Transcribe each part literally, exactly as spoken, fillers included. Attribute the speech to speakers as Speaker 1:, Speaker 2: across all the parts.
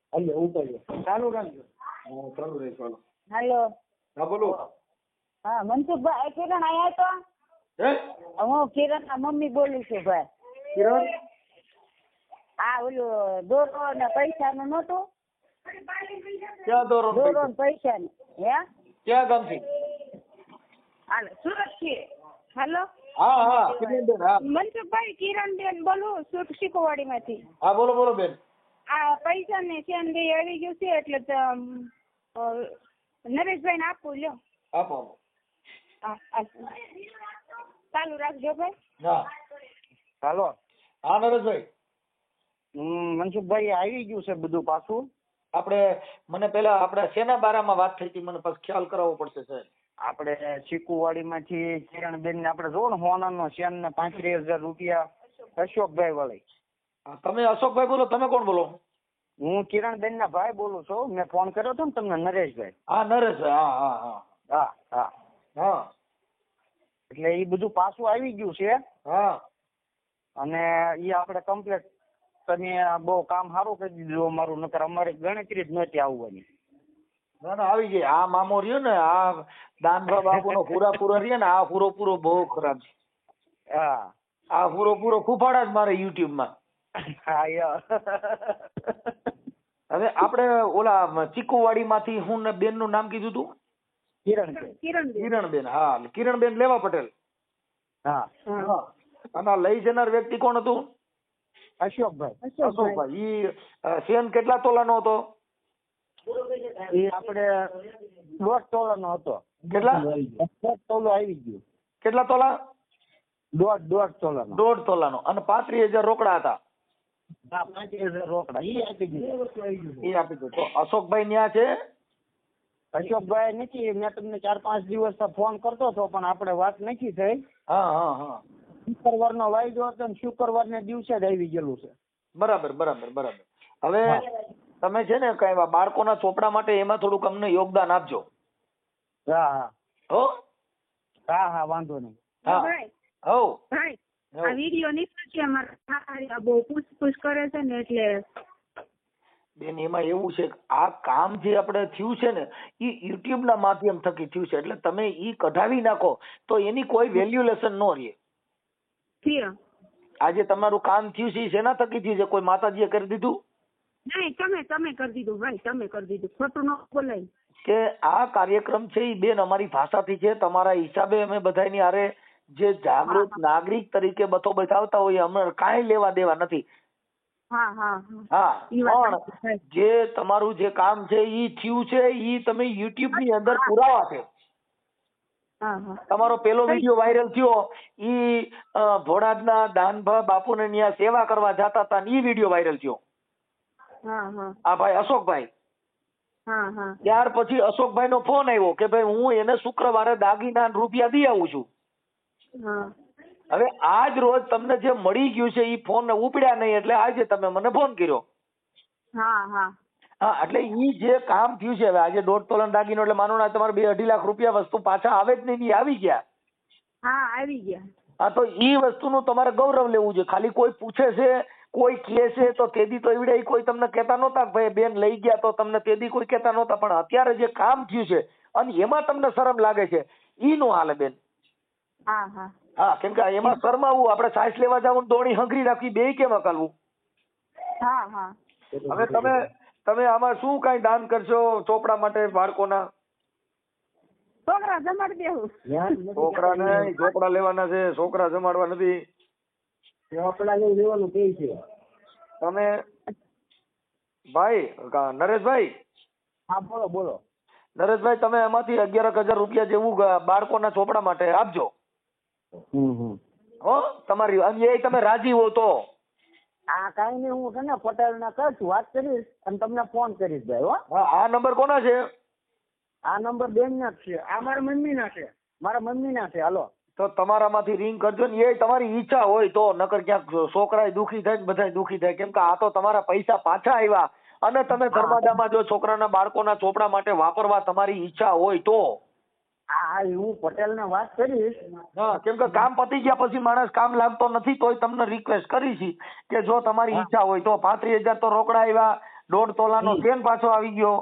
Speaker 1: હાલો ઉપાડ્યો ચાલુ રાખજો.
Speaker 2: હા ચાલુ રહે ચાલો.
Speaker 3: હાલો.
Speaker 2: હા બોલો.
Speaker 3: હા મનસુખભાઈ કિરણ આયા તો
Speaker 2: હે
Speaker 3: હું કિરણ ના મમ્મી બોલું છું ભાઈ.
Speaker 2: કિરણ
Speaker 3: આ ઓલું દોરો ને પૈસા નું નતું.
Speaker 2: ક્યાં દોરો ને
Speaker 3: દોરો
Speaker 2: પૈસા?
Speaker 3: ને પૈસા ને હે
Speaker 2: ક્યાં ગામથી?
Speaker 3: હાલો સુરત થી. હાલો
Speaker 2: હા હા કિરણબેન હા
Speaker 3: મનસુખભાઈ કિરણબેન બોલું સુરત શીખવાડી માંથી.
Speaker 2: હા બોલો બોલો બેન.
Speaker 3: આ પૈસા ને ચેન બે આવી ગયું છે એટલે તો, અ, નરેશભાઈ ને આપવું લ્યો.
Speaker 2: આપો આપો.
Speaker 3: હા, હા. ચાલુ રાખજો ભાઈ.
Speaker 2: હા
Speaker 1: હાલો
Speaker 2: હા નરેશભાઈ.
Speaker 1: હમ મનસુખભાઈ આવી ગયું છે બધું પાછું.
Speaker 2: આપણે મને પેલા આપણે શેના બારામાં વાત થઈ હતી મને પછી ખ્યાલ કરાવવો પડશે સાહેબ.
Speaker 1: આપણે ચીકુવાડી માંથી કિરણબેન ને આપણે જો ને હોના નો શેન ને પાંત્રીસ હજાર રૂપિયા અશોકભાઈ વાળી.
Speaker 2: હા, તમે અશોકભાઈ બોલો? તમે કોણ બોલો?
Speaker 1: હું કિરણબેન ના ભાઈ બોલું છું. મેં ફોન કર્યો હતો ને તમને નરેશભાઈ.
Speaker 2: હા નરેશભાઈ હા હા હા
Speaker 1: હા હા
Speaker 2: હા
Speaker 1: એટલે એ બધું પાછું આવી ગયું છે
Speaker 2: હા
Speaker 1: અને એ આપણે કમ્પ્લીટ તમે બહુ કામ સારું કરી દીધું અમારું. નકર અમારે ગણતરી જ નહોતી આવવાની.
Speaker 2: ના ના આવી ગઈ. આ મામો રહ્યો ને આ દાનભા બાપુ નો પૂરા પૂરો રહ્યો ને આ પૂરો પૂરો બહુ ખરાબ છે.
Speaker 1: હા
Speaker 2: આ પૂરો પૂરો ફૂફાડા જ મારે યુટ્યુબ માં.
Speaker 1: હા યાર
Speaker 2: હવે આપણે ઓલા ચીકુવાડી માંથી હું ને બેન નું નામ કીધું તું?
Speaker 1: કિરણબેન.
Speaker 2: કિરણબેન. હા કિરણબેન લેવા પટેલ.
Speaker 1: હા
Speaker 2: અને આ લઈ જનાર વ્યક્તિ કોણ હતું?
Speaker 1: અશોકભાઈ.
Speaker 2: અશોકભાઈ. ઈ શેન કેટલા તોલાનો હતો?
Speaker 1: એ આપણે દોઢ તોલાનો હતો.
Speaker 2: કેટલા?
Speaker 1: દોઢ તોલો આવી ગયું.
Speaker 2: કેટલા તોલા?
Speaker 1: દોઢ દોઢ તોલાનો.
Speaker 2: દોઢ તોલાનો. અને પાંત્રીસ હજાર રોકડા હતા.
Speaker 1: હા પાંત્રીસ હજાર રોકડા એ આપી દીધું.
Speaker 2: એ આપી દીધું. તો અશોકભાઈ ન્યા છે?
Speaker 1: અશોકભાઈ નથી. મેં તમને ચાર પાંચ દિવસ ફોન કરતો હતો પણ આપણે વાત નથી થઈ.
Speaker 2: હા હા હા
Speaker 1: શુક્રવાર નો વાયદો હતો ને શુક્રવાર ને દિવસે જ આવી ગયેલું છે.
Speaker 2: બરાબર બરાબર બરાબર. હવે તમે છે ને કઈ બાળકોના ચોપડા માટે એમાં થોડુંક અમને યોગદાન આપજો.
Speaker 1: હા હા
Speaker 2: હો
Speaker 1: હા હા વાંધો નહીં.
Speaker 2: હા
Speaker 3: ભાઈ
Speaker 2: હો
Speaker 3: ભાઈ આ વિડીયો નીકળે છે અમારા બહુ પૂછપૂછ કરે છે ને એટલે.
Speaker 2: બેન એમાં એવું છે કે આ કામ જે આપણે થયું છે ને એ યુટ્યુબ ના માધ્યમ થકી થયું છે એટલે તમે ઈ કઢાવી નાખો તો એની કોઈ વેલ્યુલેશન ન રહે. આજે તમારું કામ થયું છે શેના થકી થયું છે? કોઈ માતાજીએ કરી દીધું?
Speaker 3: નહીં તમે તમે કરી દીધું ભાઈ. તમે કરી દીધું. ખોટું ન બોલાય.
Speaker 2: કે આ કાર્યક્રમ છે એ બેન અમારી ભાષાથી છે. તમારા હિસાબે અમે બધાની હારે જે જાગૃત નાગરિક તરીકે બતો બતાવતા હોઈએ અમને કાંઈ લેવા દેવા નથી.
Speaker 3: હા હા
Speaker 2: હા પણ જે તમારું જે કામ છે ઈ થયું છે ઈ તમે યુટ્યુબ ની અંદર પુરાવા છે. તમારો પેલો વિડીયો વાયરલ થયો ઈ ભોળાદના દાનભા બાપુને ન્યા સેવા કરવા જતા હતા ઈ વિડીયો વાયરલ થયો. આ ભાઈ અશોકભાઈ. ત્યાર પછી અશોકભાઈ નો ફોન આવ્યો કે ભાઈ હું એને શુક્રવારે દાગીના રૂપિયા દઈ આવું છું. હવે આજ રોજ તમને જે મળી ગયું છે ઈ ફોન ઉપડ્યા નહીં એટલે આજે તમે મને ફોન કર્યો. હા એટલે ઈ જે કામ થયું છે હવે આજે દોઢ તોલા દાગીનો એટલે માનો ના તમારે બે અઢી લાખ રૂપિયા વસ્તુ પાછા આવે જ નહીં. આવી ગયા.
Speaker 3: હા આવી ગયા.
Speaker 2: હા તો ઈ વસ્તુનું તમારે ગૌરવ લેવું છે. ખાલી કોઈ પૂછે છે કોઈ કહે છે તો તેદી તો એવડે કોઈ તમને કહેતા નહોતા ભાઈ બેન લઈ ગયા તો તમને તેદી કોઈ કહેતા નહોતા. પણ અત્યારે જે કામ થયું છે અને એમાં તમને શરમ લાગે છે ઈ નો હાલે બેન.
Speaker 3: હા હા
Speaker 2: હા કેમ કે એમાં શરમાવું આપણે સાઈસ લેવા જવું દોણી હંગરી રાખવી બે કેમ અકાલવું. હા હા હવે તમે તમે આમાં શું કઈ દાન કરશો ચોપડા માટે બાળકોના?
Speaker 3: છોકરા જમાડી દેવું.
Speaker 2: છોકરા નહીં ચોપડા લેવાના છે. છોકરા જમાડવા નથી.
Speaker 1: ચોપડા લેવાનું કે છે
Speaker 2: તમે ભાઈ નરેશભાઈ.
Speaker 1: હા બોલો બોલો.
Speaker 2: નરેશભાઈ તમે એમાંથી અગિયાર હજાર રૂપિયા જેવું બાળકોના ચોપડા માટે આપજો. હો તમારી એ તમે રાજી હો તો.
Speaker 1: આ કઈ નહીં હું છે ને પટેલ ને કહીશ વાત કરીશ અને તમને ફોન કરીશ ભાઈ. હો
Speaker 2: હા આ નંબર કોના છે?
Speaker 1: આ નંબર બેન ના છે. આ મારા મમ્મી ના છે. મારા મમ્મી ના છે. હાલો
Speaker 2: તો તમારામાંથી રિંગ કરજો ને. એ તમારી ઈચ્છા હોય તો. નકર ક્યાંક છોકરા દુખી થાય ને બધા દુખી થાય કેમ કે આ તો તમારા પૈસા પાછા આવ્યા અને તમે ધર્માદામાં જો છોકરાના બાળકોના ચોપડા માટે વાપરવા તમારી ઈચ્છા હોય તો.
Speaker 1: હા હું પટેલ ને વાત કરીશ.
Speaker 2: હા કેમ કે કામ પતી ગયા પછી માણસ કામ લાગતો નથી તોય તમને રિક્વેસ્ટ કરી છે કે જો તમારી ઈચ્છા હોય તો પાંત્રીસ હજાર તો રોકડા આવ્યા દોઢ તોલાનો ચેન પાછો આવી ગયો.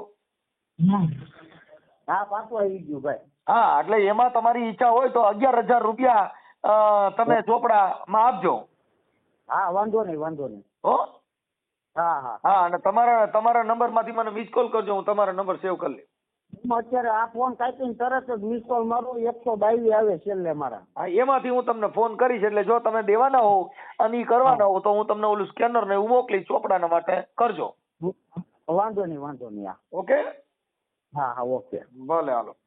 Speaker 1: હા પાછું આવી ગયું ભાઈ.
Speaker 2: હા એટલે એમાં તમારી ઈચ્છા હોય તો અગિયાર હજાર રૂપિયા અ, તમે ચોપડામાં આપજો.
Speaker 1: હા વાંધો નહીં વાંધો નહીં.
Speaker 2: હો
Speaker 1: હા હા
Speaker 2: હા અને તમારા તમારા નંબર માંથી મને મિસ કોલ કરજો, હું તમારો નંબર સેવ કરી લઈશ.
Speaker 1: હું અત્યારે આ ફોન કાપીને તરત જ મિસ કોલ મારું એકસો બાવીસ આવે છેલ્લે મારા.
Speaker 2: હા એમાંથી હું તમને ફોન કરીશ એટલે જો તમે દેવાના હોવ અને ઈ કરવાના હોવ તો હું તમને ઓલું સ્કેનર ને એવું મોકલીશ, ચોપડાના માટે કરજો.
Speaker 1: વાંધો નહીં વાંધો નહીં. હા
Speaker 2: ઓકે
Speaker 1: હા હા ઓકે.
Speaker 2: ભલે હાલો.